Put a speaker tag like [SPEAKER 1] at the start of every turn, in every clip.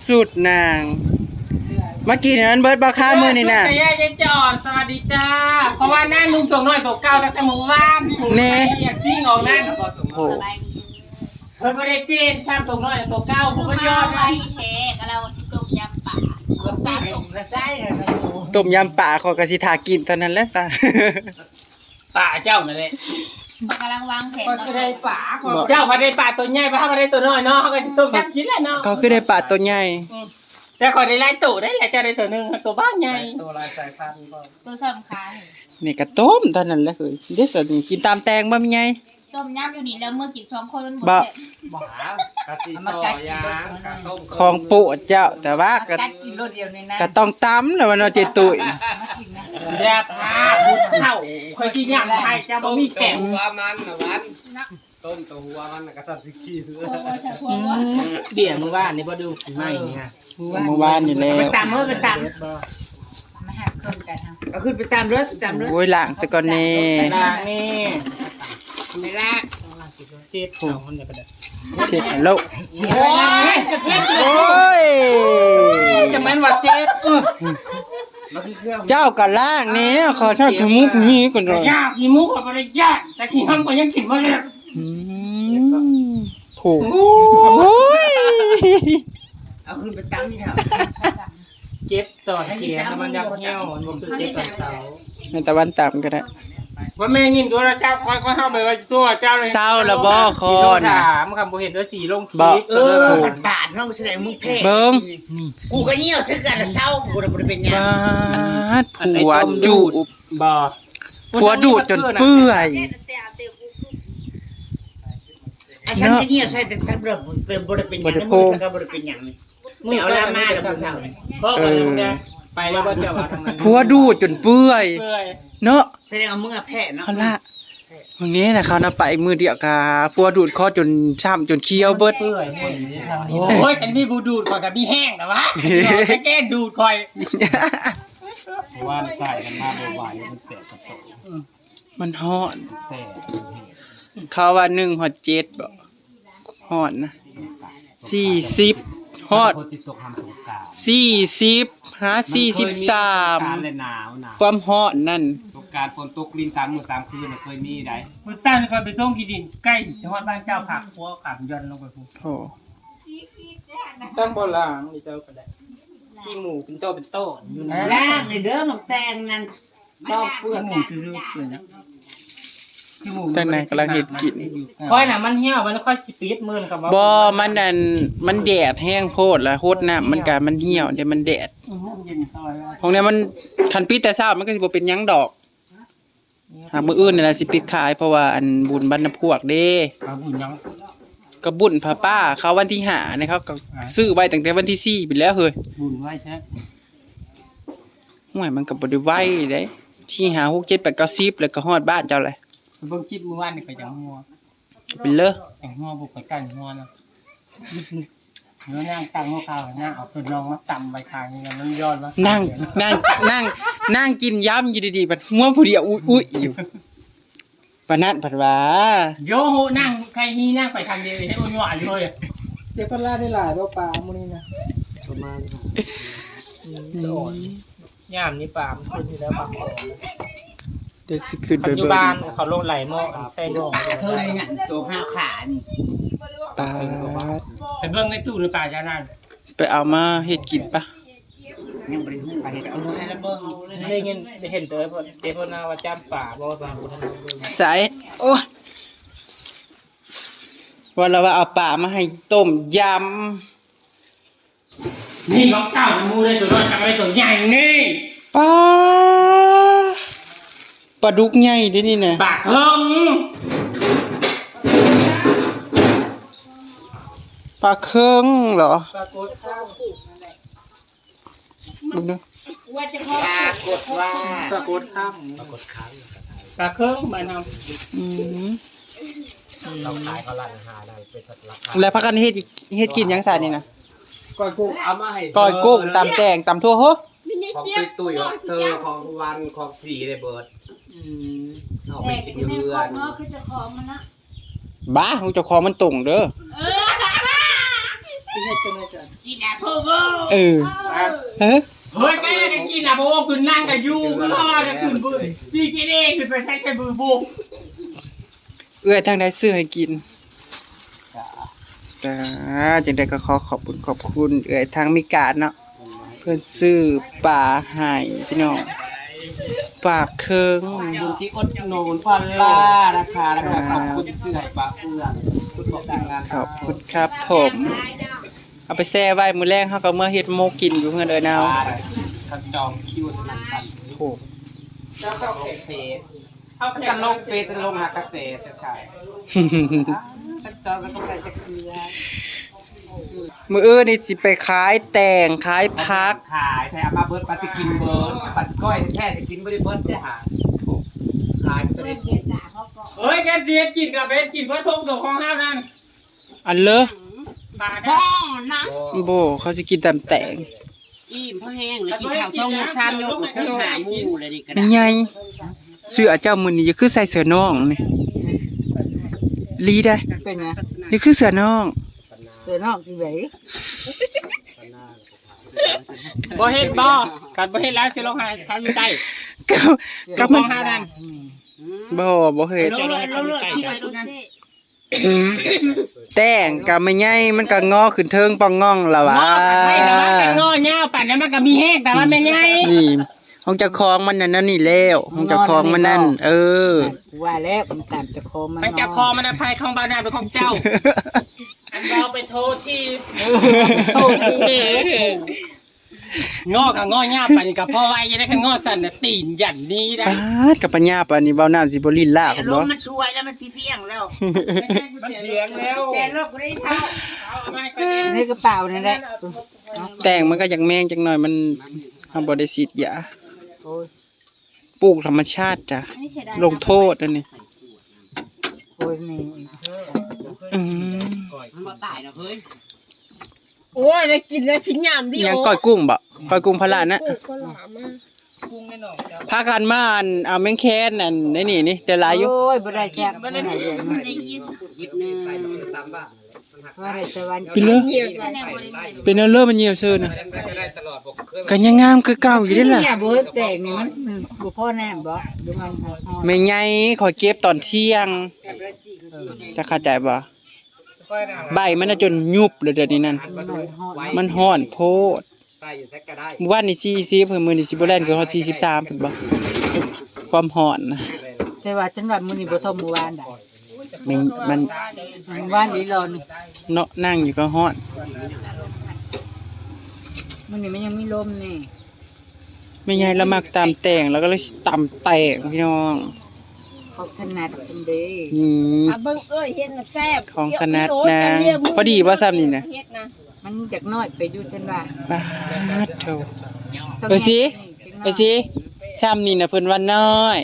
[SPEAKER 1] สุดนางเมื่อกี้นั้นเบิร์ดบาค่ามือนี่น่ะ
[SPEAKER 2] แย่จะจอดสวัสดีจ้าเพราะว่าหน้านุ่มส่งหน่อยตัวเก่าตั้งแต่เมื่อวานอยากจิ้งออกหน้าก็ส่งโอ้เพิ่นไม่ได้เปลี่ยนซ้ำส่งหน่อยตัวเก่าผมก็ยอดไว้
[SPEAKER 3] เทกเราสิต้มยำป่าก็สะสมก็ได้
[SPEAKER 1] ต้มยำป่าขอกระสิทากินเท่านั้นแหละซะ
[SPEAKER 2] ป่าเจ้านั่นแหละ
[SPEAKER 3] กำลังวางแผน
[SPEAKER 2] ก็ได้ป่าเจ้าพอได้ป่าตัวใหญ่พอได้ตัวน้อยเนาะเขาก็ต้มยำกินแหละเนาะ
[SPEAKER 1] ก็คือได้ป่าตัวใหญ่
[SPEAKER 2] แต่ขอได้หลายตัวได้แหละเจ้าได้ตัวนึงตัวบ้านใหญ่
[SPEAKER 4] ตัวลายสายพันธุ์
[SPEAKER 3] ตัวสำคัญ
[SPEAKER 1] นี่ก็ต้มเท่านั้นแหละคือเด็ดสุดกินตามแตงบ่มีไง
[SPEAKER 3] ต้มยำอยู่นี่แล้วเมื่อกิน2คนมันหมด
[SPEAKER 1] บ่
[SPEAKER 4] กะทิซอยางกะต้ม
[SPEAKER 1] ของปู่เจ้าแต่ว่าก็
[SPEAKER 3] กินรสเดียวในนั้น
[SPEAKER 1] ก็ต้องตำแล้วมันเอาเจตุย
[SPEAKER 2] แย่ผ้าพุดเข้าค่อยกินย่างไทยเจ้าบ่มีแข็ง
[SPEAKER 4] หัวมันนะวันต้มตัวหัวมันกระสับสิขี้ซื้อ
[SPEAKER 2] เดี๋ยวมึงว่านี่บ่ดูไม่เนี่ย
[SPEAKER 1] เมื่อวานนี่แล้ว
[SPEAKER 3] ไปตามไปตามมาหักเครื่องกัน
[SPEAKER 5] เอาขึ้นไปตามรถ
[SPEAKER 1] โอ้ยล้างซะก่อนนี่
[SPEAKER 2] ล้างนี่ไม่ล้างเช็ดของมันเนี่ยก็ได้
[SPEAKER 1] เช็ดแล้ว
[SPEAKER 2] โอ้ยจะแม่นว่าเช็ด
[SPEAKER 1] เจ้าก็ล้างนี่ขอทอดขี้มุกมีก่อนเลย
[SPEAKER 2] ยากขี้มุกก็บ่ได้ยากแต่ขี้ห้ำก็ยังกินบ่ได้
[SPEAKER 1] ถูกโอ้ย
[SPEAKER 5] เอาขึ้นไปตามนี่เถอะ
[SPEAKER 2] เก็บต่อให้เกียร์มันยักเหี้ยวมันบ่คือเก็บตอนเช้า
[SPEAKER 1] ในตะวันต่ำก็ได้
[SPEAKER 2] ว่าแม่ยินตัวเจ้าค่อยๆเฮาไปว่าตัวเจ้าเลย
[SPEAKER 1] เศร้าละบ่คอน่ะ
[SPEAKER 2] ถามคำบ่เห็นว่าสีลงคลิป
[SPEAKER 5] บาดน้องแสดงมึงแพ้
[SPEAKER 1] เบิ่ง
[SPEAKER 5] กูก็เหี่ยวซึกกันเศร้ากูบ่ได้เป็นหยัง
[SPEAKER 1] บาดผัวจูบ
[SPEAKER 2] บ่
[SPEAKER 1] ผัวดูดจนเปื่อย
[SPEAKER 5] ฉันจะเหี่ยวใส่แต่ฉันบ่ได้เป็นหยังมึงสักบ่ได้เป็นหยังไม่เอาลามาแล้วมื้อเช้า
[SPEAKER 2] ก็ไปแล้วก็จะว่าทางนั้น
[SPEAKER 1] ผัวดูดจนเปื่อยเนาะ
[SPEAKER 5] แสดงว่ามึงแพ้เนาะ
[SPEAKER 1] เอาล่ะวันนี้นะเขาน่ะไปมือเดียวกะผัวดูดคอจนช้ำจนเคี้ยวเบิด
[SPEAKER 2] เปื่อยโอ้ยอันนี้บูดูดก่อนกับพี่แห้งนะวะแก้ดูดคอย
[SPEAKER 4] ว่าใส่กันมาบ่อยๆมันแสบกระโต
[SPEAKER 1] มันฮอด
[SPEAKER 4] แสบ
[SPEAKER 1] เขาว่า1ฮอด7บ่ฮอดนะ40ฮอด40หา43ความฮอดนั่น
[SPEAKER 4] สงกรานต์ฝนตกลิ้น3มื้อ3คืนเคยมีได้
[SPEAKER 2] มื้อซั่นก็ไปส่งที่ดินใกล้จังหวัดบ้านเจ้าผักหัวขังย่อนลงไปพุ่น
[SPEAKER 1] โอ้
[SPEAKER 2] ตั้งบ่ล่างนี่เจ้าก็ได้ขี้หมูเป็นโตเป็นโตอยู่นะ
[SPEAKER 5] ล่างนี่เด้อหมกแตงนั่นตอกเปลือก
[SPEAKER 2] หมูซื่อๆเลยนะ
[SPEAKER 1] จังไหนกำลังเฮ็ดกิน
[SPEAKER 2] ค่อยน่ะมันเหี่ยวมันค่อยสิปิดมื้อครับ
[SPEAKER 1] บ่มันนั่นมันแดดแห้งโพดแล้วโคตรน้ำมันก็มันเหี่ยวเดี๋ยวมันแดดของนี้มันคันปิดแต่เช้ามันก็สิบ่เป็นหยังดอกหากมื้ออื่นนี่ล่ะสิปิดขายเพราะว่าอันบุญบรรณพวกเด้
[SPEAKER 2] บุญหยัง
[SPEAKER 1] ก็บุญพระป้าเขาวันที่5นะครับก็ซื้อไว้ตั้งแต่วันที่4ไปแล้วเฮ้ย
[SPEAKER 2] บุญไว้ใช่
[SPEAKER 1] ห่วยมันก็บ่ได้ไว้เด้ที่5 6 7 8 9 10แล้วก็ฮอดบ้านเจ้าเลย
[SPEAKER 2] เบิ่งคลิปเมื่อวานนี่ก็จังหัว
[SPEAKER 1] เป็นเลอ
[SPEAKER 2] จังหัวบ่ค่อยกันหัวนะเนื้อย่างตั้งหัวข้าวย่างเอาส่วนน้องมาตำไว้ข้างนี่มันย้อนว่า
[SPEAKER 1] นั่งกินยำอยู่ดีๆบัดหัวผู้เดียวอุ้ยอยู่ปานนั้นผัดว่า
[SPEAKER 2] โยโหนั่งใครฮีนั่งไปทางเดียวให้อ้วนหวานเลยเจ็บปลาได้หลายบ่ปลามื้อนี้นะประมาณย่ามนี่ปลามันขึ้นอยู่แล้วปลาขอ
[SPEAKER 1] เดี๋ยวสิขึ้นไป
[SPEAKER 2] ปัจจุบันเขาลงไหลหม้อใส่ดอง
[SPEAKER 5] เท่านี้ตัว5ขานี่
[SPEAKER 1] ปลา
[SPEAKER 2] ไปเบิ่งในตู้หรือปลาจานั่น
[SPEAKER 1] ไปเอามาเฮ็ดกินปะ
[SPEAKER 5] ยังบ่ได้ฮู้ไปเฮ็ดเอาให้ละเบิ่ง
[SPEAKER 2] ได้เห็นเด้อเพิ่นว่าจ้ำป่าบ่ปลาบ่ทัน
[SPEAKER 1] สายโอ้ว่าเราว่าเอาปลามาให้ต้มย
[SPEAKER 2] ำนี่ของเจ้ามูได้ตัวน้อยจังได๋ตัวใหญ่นี่
[SPEAKER 1] ปลาดุกใหญ่ดินี่นะ
[SPEAKER 2] ปลาเคิง
[SPEAKER 1] ปลาเคิงเหรอ
[SPEAKER 2] ปลากดข้าว
[SPEAKER 1] ดูนะ
[SPEAKER 5] ปลากดว่า
[SPEAKER 2] ปลากดข้าวปลาเคิงบ้านเฮา
[SPEAKER 4] เราขายเขาร้านอาหารได้เป็นราคา
[SPEAKER 1] แล้วพักกันเฮ็ดกินยังซะนี่นะ
[SPEAKER 4] ก้อยกุ้งเอามาให้
[SPEAKER 1] ก้อยกุ้งตำแตงตำทั่วโห
[SPEAKER 4] ของตุ้ยของเธอของวันของสีเลยเบิร์ดเอาไปกินเยือน
[SPEAKER 1] บ้าของเจ้าของมันตรงเด้อ
[SPEAKER 5] กินแอปเปิ้ลเวอร์
[SPEAKER 1] เออเฮ้ย
[SPEAKER 2] เฮ้ยใกล้จะกินอ่ะเพราะว่าคุณนั่งกับยูก็รอจะคุณบุ้ยจีกินเองคุณไปใช้มือบุก
[SPEAKER 1] เอื้อยทางใดซื้อให้กินจ้าจังได๋ก็ขอขอบคุณเอื้อยทางมิกาดเนาะเพิ่นซื้อปลาให้พี่น้องปลาเคิง
[SPEAKER 4] คุณที่อดหนุนพันล่านะคะแล้วก็ขอบคุณเสื่อยปลาเฟืองคุณบอกดังงาน
[SPEAKER 1] ขอบคุณครับผมเอาไปแช่ไว้มื้อแรงเฮาก็เมื่อเฮ็ดโมกินอยู่เฮือนเอ้ยนาว
[SPEAKER 4] ทันจองคิวสนั่นพัน
[SPEAKER 1] โอ้
[SPEAKER 4] เจ้าก็เฟสเอากันลงเฟสจะลงหากระแสจะขายทันจองแล้วก็ไปจะเคลียร์
[SPEAKER 1] มื้ออื่นนี่สิไปขายแต่งขายผัก
[SPEAKER 4] ขายใช่อามาเบิร์ดปลาจะกินเบิร์ดปัดก้อยแท้จะกินไม่ได้เบิร์ดจะหาขายไปเลย
[SPEAKER 2] เฮ้ยแกเสียกินกับเบสกินเพื่อทงตัวของห้านั่น
[SPEAKER 1] อันเลอ
[SPEAKER 2] ปลา
[SPEAKER 3] บ้
[SPEAKER 2] ได้
[SPEAKER 3] องนะ
[SPEAKER 1] โบเขาสิกินตำแต่ง
[SPEAKER 3] อิ่มเพราะแห้งเลยกินข้าว2 ยก 3 ยกแล้วคุณหาหมู่เลยนี่ก็
[SPEAKER 1] เป็
[SPEAKER 3] ได้
[SPEAKER 1] นไงเสื้อเจ้ามื้อนี้จะคือใส่เสื้อน้องนี่ลีได้
[SPEAKER 5] เป็นไง
[SPEAKER 1] นี่คือเสื้อน้อง
[SPEAKER 5] เสือนอกที่ไหน
[SPEAKER 2] บ่เฮ็ดบ่กัดบ่เฮ็ดแล้วสิลงหาทำอยู่ใต้
[SPEAKER 1] กับกับ
[SPEAKER 2] ข
[SPEAKER 1] มั
[SPEAKER 2] อน งห้านั่น
[SPEAKER 1] บ่เฮ็ด
[SPEAKER 5] ลงเลยคิดไว้ตรงนั้น
[SPEAKER 1] แต่งก็ไม่ใหญ่มันก็งอขึ้นเทิงปองง่องล่ะวะ
[SPEAKER 2] งอกันให้แต่ว่ากันงอยาวป่านนั้นมันก็มีแห้งแต่ว่าไม่ใหญ่
[SPEAKER 1] นี่ของเจ้าของมันนั่นนี่แล้วของเจ้าของมันนั่นเออ
[SPEAKER 5] ว่าแล้วมันตามจะคอมัน
[SPEAKER 2] มันจะคอมันอภัยของบ้านนาเป็นของเจ้า อันเราไปโทษที่งอกับงอยาวป่านนี้กับพ่อไว้ยังได้กันงอสั่นน่ะตีนหยันนี้ได้
[SPEAKER 1] ปาดกับปัญญาปานนี้เว้าน้ำสิบ่ลิ้นลาก
[SPEAKER 5] ล
[SPEAKER 1] บ่
[SPEAKER 5] มมันช่วยแล้วมันทีเที่ยงแล้ว
[SPEAKER 2] มันเหลืองแล้ว
[SPEAKER 5] แต่โลกได้เท่า
[SPEAKER 2] เอาไม่ก็ดี
[SPEAKER 5] ในกระเป๋านั่นแหละ
[SPEAKER 1] แต่งมันก็อยากแมงจังหน่อยมันเฮาบ่ได้ฉีดยา
[SPEAKER 5] โอ้ย
[SPEAKER 1] ปลูกธรรมชาติจ้ะ
[SPEAKER 3] อันนี้เสียดาย
[SPEAKER 1] ลงโทษนั่นนี่
[SPEAKER 5] โอ้ยนี่
[SPEAKER 1] อืม
[SPEAKER 3] มันบ่ตายดอกเฮ้ย
[SPEAKER 6] โอ้ยได้กินแล้วชิ้นยามดิ
[SPEAKER 1] ยังก้อยกุ้งบ่ก้อยกุ้งพะละนะ
[SPEAKER 6] ก็หลามมา
[SPEAKER 2] กุ้งแน่นอนเจ้า
[SPEAKER 1] พากันมาอันเอาแมงแคนนั่นนี่นี่ได้หลายอยู่
[SPEAKER 5] โอ้ยบ่ได้แซ่บบ่ได้
[SPEAKER 3] มันได้ยิน
[SPEAKER 4] ยิบนึงตามบ้าน
[SPEAKER 5] ว่าได้สวรรค์
[SPEAKER 1] เป็นเลย
[SPEAKER 6] เหี่ยว
[SPEAKER 3] แน่บ่ได้ยิน
[SPEAKER 1] เป็นเอาเลอมันเหี่ยวซื่อน่ะ
[SPEAKER 4] ยังได้ตลอดบอกเคย
[SPEAKER 1] ก็ยังงามคือเก่าอยู่เด้ล่ะ
[SPEAKER 5] เนี่ยบ่แตกนี่มันบ่พอแน่บ่ดูมันฮอด
[SPEAKER 1] แม่ใหญ่ขอเก็บตอนเที่ยงจะเข้าใจบ่ใบมันน่ะจนยุบเลยเดี๋ยวนี้นั่นมันฮ้อนโพด
[SPEAKER 4] ใส่อยู่แซกก็ได้
[SPEAKER 1] เมื่อวานนี่40เพิ่นมื้อนี้สิบ่แล่นคือฮอด43เพิ่นบ่ความฮ้อนนะ
[SPEAKER 5] แต่ว่าฉันว่ามื้อนี้บ่เท่ามื้อวานได้
[SPEAKER 1] มัน
[SPEAKER 5] มื้อวานอีหลอน
[SPEAKER 1] เนาะนั่งอยู่ก็ฮ้อน
[SPEAKER 5] มื้อนี้มันยังมีลมนี่
[SPEAKER 1] แม่ใหญ่ละมักตามแต่งแล้วก็เลยตำแต่งพี่น้อง
[SPEAKER 5] เขาถนัดซันเดย์
[SPEAKER 1] นี่
[SPEAKER 6] อ่ะเบิ่งเอ้ยเฮ็ดน่ะแซ่บ
[SPEAKER 1] ของถนัด
[SPEAKER 6] โอ้ย
[SPEAKER 1] นะ
[SPEAKER 6] จะเรียกมึง
[SPEAKER 1] พอดีว่าซ้ำนี่นะ
[SPEAKER 6] เฮ็ดนะ
[SPEAKER 5] มันจักน้อยไปอยู่ฉันว่า
[SPEAKER 1] ปาดโถไปสิไปสิซ้ำนี่นะเพิ่นว่าน้อย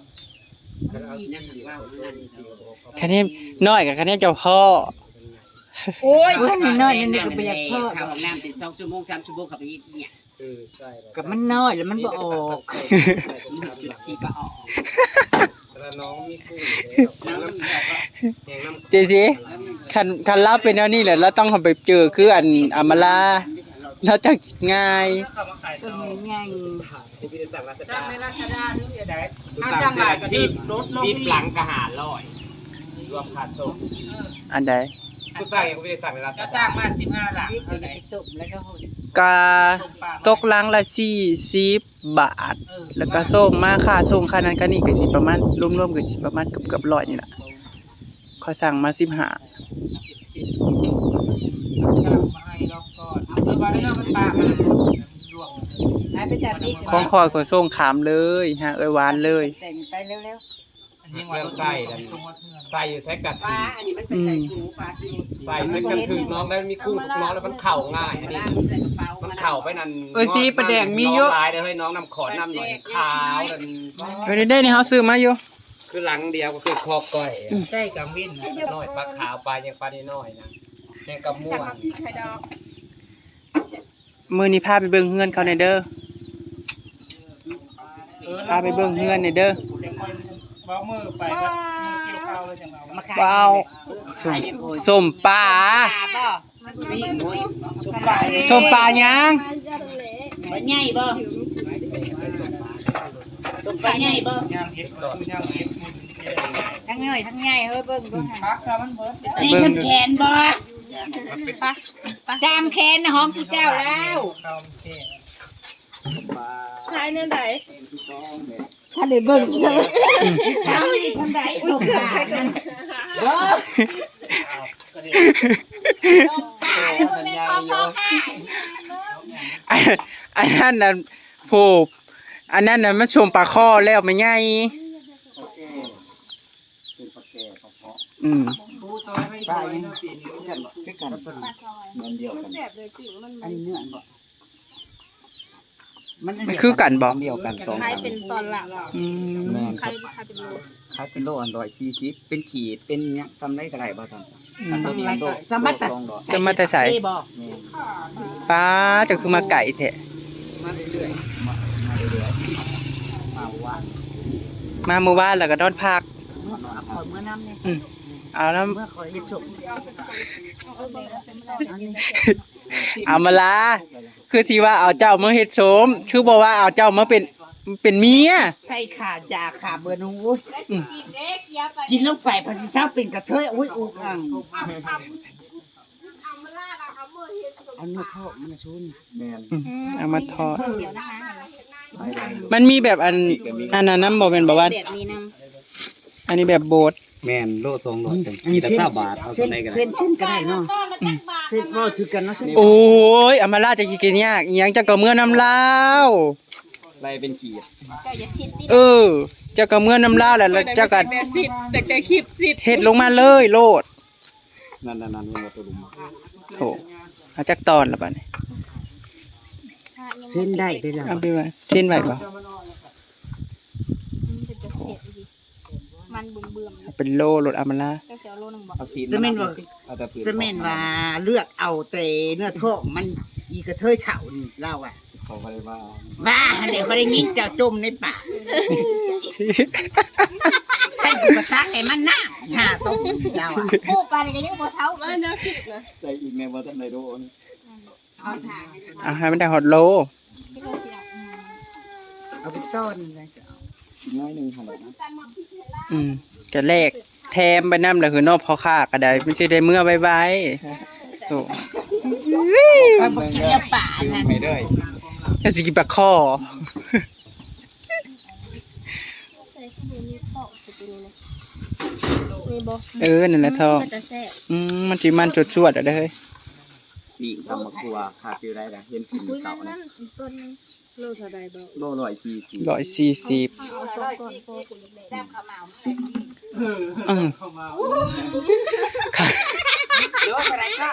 [SPEAKER 1] คะแนนน้อยกับคะแนนเจ้าพ่อ
[SPEAKER 6] โอ้ย
[SPEAKER 5] โอ้ยน้อยๆนี่ก็บ่อยากเพิ่ม
[SPEAKER 3] ข้าวของน้ำเป็น2 ชั่วโมง 3 ชั่วโมงเข้าไปอีกเนี่ย
[SPEAKER 4] ใช่แล้ว
[SPEAKER 5] กับมันน้อยแล้วมันบ่ออก
[SPEAKER 3] จุดที่ก็ออก
[SPEAKER 4] แล้วน้องมีกุ้งแล้วแกงน้ำ
[SPEAKER 1] เจสิคันรับเป็นแนวนี้แหละเราต้องเอาไปเจอคืออันอำมาลาแล้วจักง่าย
[SPEAKER 2] เข้ามาขาย
[SPEAKER 5] ต้
[SPEAKER 2] ต่
[SPEAKER 5] น
[SPEAKER 2] อ
[SPEAKER 5] นี้ใหญ่
[SPEAKER 4] ที่พี่ได้สั่งราช
[SPEAKER 2] สร้า
[SPEAKER 4] ดาง
[SPEAKER 2] ในราชดาหรืออย่างไรถ้าสร้างหลายก็สิรถลง
[SPEAKER 4] ซีบ
[SPEAKER 2] อีก
[SPEAKER 4] หลังกระหารลอยรวมขาดส่ง
[SPEAKER 1] อันใด
[SPEAKER 4] ผู้สั่งยังไม่ได้สั่งในราช
[SPEAKER 2] ก็
[SPEAKER 4] ดา
[SPEAKER 2] สร้างมา15หลัง
[SPEAKER 5] นี่
[SPEAKER 2] เท่าไห
[SPEAKER 5] ไป
[SPEAKER 2] ร่
[SPEAKER 5] สุกแล้วก็โหด
[SPEAKER 1] กาตกลังละ40 บาท แล้วก็ส่งมาค่าส่งค่านั้นค่านี้ก็สิประมาณรวมๆก็สิประมาณเกือบๆ100นี่ล่ะขอยสั่งมา15
[SPEAKER 2] สร้างมาให้เราก่อนเอาไปแล้วมันปลามันรวม
[SPEAKER 5] ไปจับอีก
[SPEAKER 1] ของคอยขอยส่งขามเลยฮะเอ้ยหวานเลย
[SPEAKER 5] แต่งไปเร็ว
[SPEAKER 4] เรื่องไส้นั่นไส้อยู่แซกกัด
[SPEAKER 3] ปลาอันนี้มันเป็นไข่สูปลาที่
[SPEAKER 4] ใส่แซกกันถึงน้องแล้วมีกุ้งน้องแล้วมันเข่าง่ายอันนี้
[SPEAKER 3] ใส่กระเป๋า
[SPEAKER 4] มัน
[SPEAKER 3] มัน
[SPEAKER 4] เข่าไปนั่น
[SPEAKER 1] เอ้ยสิประแดงมีเยอะ
[SPEAKER 4] น้องลายเด้อเฮ้ยน้องนำขอน้ำหน่อยขาวนั่น
[SPEAKER 1] เอ้ยได้ๆนี่เฮาซื้อมาอยู่
[SPEAKER 4] คือหลังเดียวก็คือคอก้อย
[SPEAKER 2] ใช่กังวินนะ
[SPEAKER 4] น้อยปลาขาวปลายังปลาน้อยนะแมงกะม่วง
[SPEAKER 6] ไข่ดอก
[SPEAKER 1] มื้อนี้พาไปเบิ่งเฮือนเขาหน่อยเด้อพาไปเบิ่งเฮือนหน่อยเด้อ
[SPEAKER 2] เดี๋ยวคนเบ้ามือไปก็มือเกี่ยวข้าวเลยจังเอา
[SPEAKER 5] ๆมาขาย
[SPEAKER 1] ว้าวส้มปลา
[SPEAKER 5] ป่ะมันนี่หมูสุปลา
[SPEAKER 1] ส้มปลายัง
[SPEAKER 5] ปลาใหญ่บ่สุปลาใหญ่บ่
[SPEAKER 6] ทั้งเหนื่อยทั้งใหญ่เฮ้ยเบิ่งเบิ่ง
[SPEAKER 5] นี่น้ำแข็งบ่
[SPEAKER 6] จามแคนห้องกูเจ้าแล้วใช่นั่นไหนถ้าได้เบิ่งใช่ไหม
[SPEAKER 5] ทำให้ทำไรสุปลานั่นบ่
[SPEAKER 1] อันนั้นน่ะผู้อันนั้นน่ะมันชมปลาข้อแล้วไม่ใหญ่อืม
[SPEAKER 5] ปลายังกันบ่คือกันมันเดียวกันอันนี้เนื้อบ่
[SPEAKER 1] มันคือกันบ่
[SPEAKER 4] เดียวกัน2
[SPEAKER 6] ใครเป็นตอนหลัง
[SPEAKER 1] อืม
[SPEAKER 4] แม่น
[SPEAKER 6] ใครเป็นโล
[SPEAKER 4] ขายเป็นโลอัน140เป็นขีดเป็นหยังซ้ำได้ก็ได้บ่ซั่น
[SPEAKER 5] สำไรก็จะมาตัด
[SPEAKER 1] จะมาแต่ใส่
[SPEAKER 5] บ่
[SPEAKER 1] ปลาจะคือมาไก่แท้
[SPEAKER 5] มาเรื่อย
[SPEAKER 1] มาเมื่อวานแล้วก็นอนพัก
[SPEAKER 5] ๆเอาขอเมื่อน้ำเนี่ย
[SPEAKER 1] เอาแล้ว
[SPEAKER 5] เมื่อขอเฮ็ดสุก
[SPEAKER 1] เอามาลาคือสิว่าเอาเจ้ามาเฮ็ดโสมคือบอกว่าเอาเจ้ามาเป็นเมีย
[SPEAKER 5] ใช่ค่ะยาค่ะเบอร์นูกินลงไปพอสิเช้าเป็นกระเทยอุ้ยอุกอังเอาเนื้อเข้ามันชุน
[SPEAKER 4] แม่น
[SPEAKER 1] เอามาทอด
[SPEAKER 6] เดี๋ยวนะคะ
[SPEAKER 1] มันมีแบบอันนั้นน้ำบ่เป็นบ่ว่า
[SPEAKER 6] แบบมีน้
[SPEAKER 1] อันนี้แบบโบด
[SPEAKER 4] แม่นโล200เป็นขีดละ20บาทเอา
[SPEAKER 5] เส้น
[SPEAKER 4] ได้ก็ได้
[SPEAKER 5] เส้นก็ได้เนาะเส้นบ่ถือกันเนาะเส้น
[SPEAKER 1] โอ้ยเอามาลาจะสิกินยากอีหยังจะก็เมื่อน้ำลาว
[SPEAKER 4] ไล่เป็นขีด
[SPEAKER 6] ำเจ้าอย่าชิดดิ
[SPEAKER 1] เออเจ้าก็เมื่อน้ำลาวแล้วเจ้าก็
[SPEAKER 6] แต่คลิปสิ
[SPEAKER 1] เฮ็ดลงมาเลยโลด
[SPEAKER 4] นั่นๆๆมันบ่ตัวลุม
[SPEAKER 1] โถเอาจักตอนละบัดนี้
[SPEAKER 5] เส้นได้ได้แล้ว
[SPEAKER 1] เอาไปไว้เช่นไว้บ่
[SPEAKER 6] เป็นจะเสียดีมันเบื่อม
[SPEAKER 1] เป็นโลโลดเอามาลา
[SPEAKER 6] เจ้าเสียโลนึงบอก
[SPEAKER 4] เอาซีน
[SPEAKER 5] จะแม่นว่า
[SPEAKER 4] เอาแต่ปืน
[SPEAKER 5] จะแม่นว่าเลือกเอาแต่เนื้อท้องมันอีกระเทยเฒ่านี่เล่าอ่ะ
[SPEAKER 4] เขาบ่ได้ว่า
[SPEAKER 5] บ้าเดี๋ยวบ่ได้ยินเจ้าจมในป่าใส่กูกระตักให้มันน่าหาต้มเล่าอ่ะ
[SPEAKER 6] โอ้ปลาเนี่ยก็ยังบ่เช้าเลยนะคลิปนะ
[SPEAKER 4] ใส่อีกแม่บ่ทันได้โดน
[SPEAKER 6] เอาสา
[SPEAKER 1] เอาให้มันได้ฮอตโล
[SPEAKER 6] ที่โลที่ละ
[SPEAKER 5] เอาไปต้นเลยจะเอา
[SPEAKER 4] อีกน้อยหนึงหั่นแหละนะ
[SPEAKER 1] ก็แลกแถมไปนำแล้วคือนอกพอค่าก็ได้มันสิได้เมื่อไวๆโถ
[SPEAKER 5] เอาบ่กินแล้วป่านั่น
[SPEAKER 4] ไม่ได้
[SPEAKER 1] ก็สิกินปลาข้อ
[SPEAKER 6] ใส่ข้าวมีข้าวสุดเลยมีบ่
[SPEAKER 1] นั่นแหละทอง
[SPEAKER 6] มันจะแซ่บ
[SPEAKER 1] มันสิมันจวดๆอ่ะเด้อเฮ้ย
[SPEAKER 4] ปีกตำบักตัวขาดอยู่ได้ล่ะเห็นกิน
[SPEAKER 6] อุ้ย
[SPEAKER 4] เสา
[SPEAKER 6] นั่
[SPEAKER 4] ร์
[SPEAKER 6] น
[SPEAKER 4] นะ
[SPEAKER 6] ต้นนึงโลเท่าใดบ่
[SPEAKER 4] โล140
[SPEAKER 1] 140
[SPEAKER 6] เอาสองก่อนโคตรแซ่บข้าวเหมา
[SPEAKER 1] อืม
[SPEAKER 5] โดนอะไรก็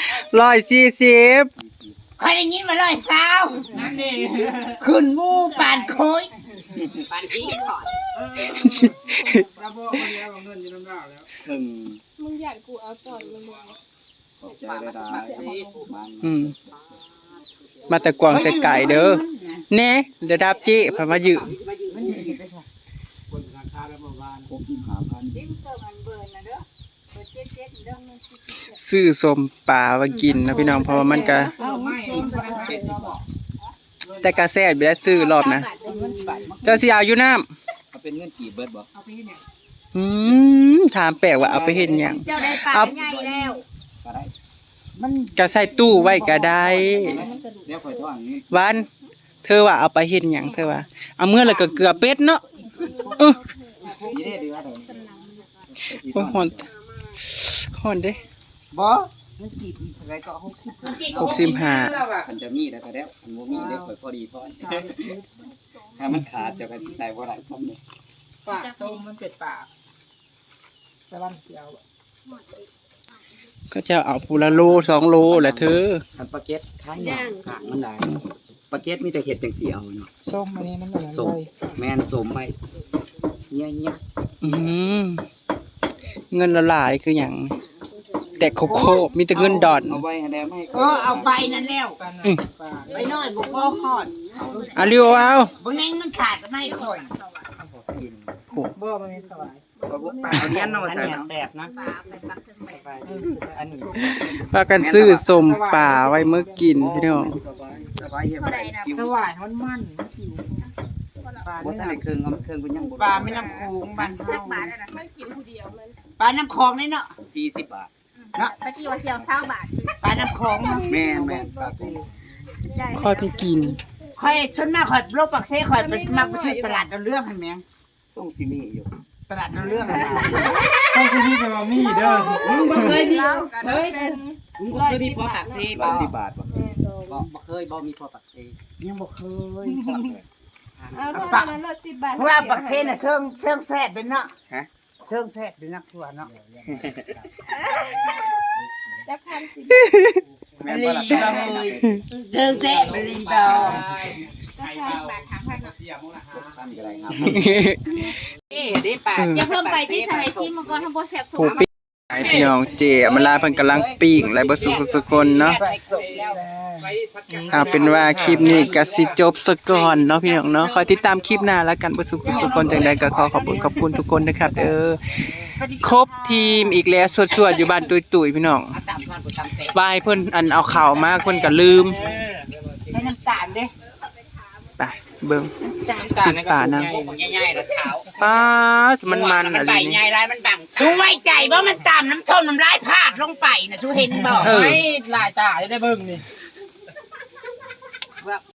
[SPEAKER 1] 140
[SPEAKER 5] คอยได้ยินว่าร้อยสาวขึ้นหมู่ปานโคย
[SPEAKER 3] ปานนี้ก่อน
[SPEAKER 4] ถึง
[SPEAKER 6] มึงอยากกูเอาต่อยมึง
[SPEAKER 4] ขอบใจได้บ้าน
[SPEAKER 1] มาแต่กวางแต่ไก่เด้อแน่เดี๋ยวดับจิพามายืม ซื้อส้มปลามากินนะพี่น้องเพราะว่ามันก็แต่กระแซ่บอยู่แล้วซื้อรอบนะเจ้าสิเอาอยู่น้
[SPEAKER 4] เอาเป็นเงินกี่เบิดบ่
[SPEAKER 1] ำถามแปลกว่าเอาไปเฮ็ดหยัง
[SPEAKER 6] เจ้าได้ปลาใหญ่แล้ว
[SPEAKER 4] ก็ได้
[SPEAKER 1] ก็ใส่ตู้ไว้ก็ได้
[SPEAKER 4] เดี๋ยวค่อยทอนเงิน
[SPEAKER 1] วันเธอว่าเอาไปเฮ็ดหยังเธอว่าเอาเมื่อแล้วก็เกลือเป็ดเนาะ
[SPEAKER 4] นี่
[SPEAKER 1] เออ
[SPEAKER 4] ได้เดือนเดี๋ยว
[SPEAKER 1] โอ้ฮ้อนฮ้อนเด้
[SPEAKER 5] บ่มันกี่ปีเท่าไหร่ก็60
[SPEAKER 1] 65
[SPEAKER 4] มันจะมีแล้วก็แล้วมันบ่มีได้ค่อยพอดีทอนถ้ามันขาดเดี๋ยวก็สิใส่บ่ได้พร้อมนี่
[SPEAKER 2] ปากส้มมันเป็ดปากสลันเขียว
[SPEAKER 1] ก็จะเอาปูละโล2โลแหละเธอ
[SPEAKER 4] คันปลาเก็ตขายย่างขางมันได้ปลาเก็ตมีแต่เห็ดจังสีเอาเนาะ
[SPEAKER 2] ส้มอันนี้มันเหมือน
[SPEAKER 4] สมแม่นสมไปเงี้ย
[SPEAKER 1] อืมเงินละหลายคือหยังแต่โคโค่มีแต่เงินดอน
[SPEAKER 4] เอาไว้ให้ได้ไหม
[SPEAKER 5] เอาใบนั่นแล้วไปน้อยบ่พอฮอด
[SPEAKER 1] เอาเร็วเอา
[SPEAKER 5] บ่แน่งมันขาดก็ไม่ค่อย
[SPEAKER 2] บ่มันมีสวาย
[SPEAKER 4] เอาเลี้ยนเนาะใส่แซ่บนะ
[SPEAKER 3] อันนี้
[SPEAKER 1] พากันซื้อสมป่าไว้เมื่อกินพี่น้อง
[SPEAKER 4] สบายเย็นไปคิว
[SPEAKER 3] สวายมันมัน
[SPEAKER 4] บ่ทันได้เครื่องเอาเครื่องกูยังบ่
[SPEAKER 5] ปลาไม่น้ำโขงบ้านเฮา
[SPEAKER 6] ไม่กินผู้เดียวมัน
[SPEAKER 5] ปลาน้ำคลองนี่เนาะ
[SPEAKER 4] 40 บาท
[SPEAKER 6] ตะกี้ว่าเสียว20 บาท
[SPEAKER 5] ปลาน้ำคลองเนาะ
[SPEAKER 4] แม่นปลาปู
[SPEAKER 6] ได้
[SPEAKER 1] ข้อที่กิน
[SPEAKER 5] ข่อยชนมากข่อยโลกปักเซ่ข่อยเป็นมักไปซื้อตลาดเอาเรื่องให้แม่ง
[SPEAKER 4] ส่งซิมีอยู่
[SPEAKER 5] ตลาดเอาเรื่องให้
[SPEAKER 2] ต้องที่นี่ไปมามีเด้อ
[SPEAKER 3] มึงบ่เคยมี
[SPEAKER 6] เรากันเป็น
[SPEAKER 3] มึงบ่เคยมีพอผักซีบ่
[SPEAKER 4] 10 บาทบ่
[SPEAKER 3] บ่เคยบ่มีพอผักซี
[SPEAKER 5] ยังบ่เคย
[SPEAKER 6] เอาเท่านั้นละ10 บาท
[SPEAKER 5] เพราะว่าปักเซ่น่ะเชิงแซ่บเป็นเนาะเชิงแซ่บเป็นนักทัวเนาะ
[SPEAKER 6] จะพันสิ
[SPEAKER 4] แม่นบ่ล่ะ
[SPEAKER 3] เดินแซ่บลีบ่
[SPEAKER 6] บาท3,000
[SPEAKER 4] ทำอะไรครับ
[SPEAKER 3] นี่ได้ปาก
[SPEAKER 6] อย่าเพิ่มไปที่สมัยซิมมังกรทำบ่แซ่บสุ
[SPEAKER 1] ผู้ปิ้งไอพี่น้องเจอำลาเพิ่นกำลังปิ้งและบ่สุขสุคนเนาะเอาเป็นว่าคลิปนี้ก็สิจบซะก่อนเนาะพี่น้องเนาะคอยติดตามคลิปหน้าแล้วกันบ่สุขสุคนจังใดก็ขอขอบคุณทุกคนนะครับเด้อครบทีมอีกแล้วสวดๆอยู่บ้านตุยๆพี่น้อง
[SPEAKER 3] ตามมันบ่ตามแต่
[SPEAKER 1] บายเพิ่นอันเอาข่าวมาเพิ่นก็ลืม
[SPEAKER 5] ให้น้ำตาลเด้
[SPEAKER 1] ไปเบิ่งปิดป่านะ
[SPEAKER 3] ใหญ่ๆแล้วขาว
[SPEAKER 1] ป้าดมันอะไร
[SPEAKER 3] ใบ
[SPEAKER 1] นี่
[SPEAKER 3] ใหญ่ลายมันบัง
[SPEAKER 5] สู้ไว้ใจว่ามันตามน้ำส้มน้ำลายพาดลงไปน่ะสู้เห็นบ่
[SPEAKER 1] เออ
[SPEAKER 2] หลายตาได้เบิ่งนี่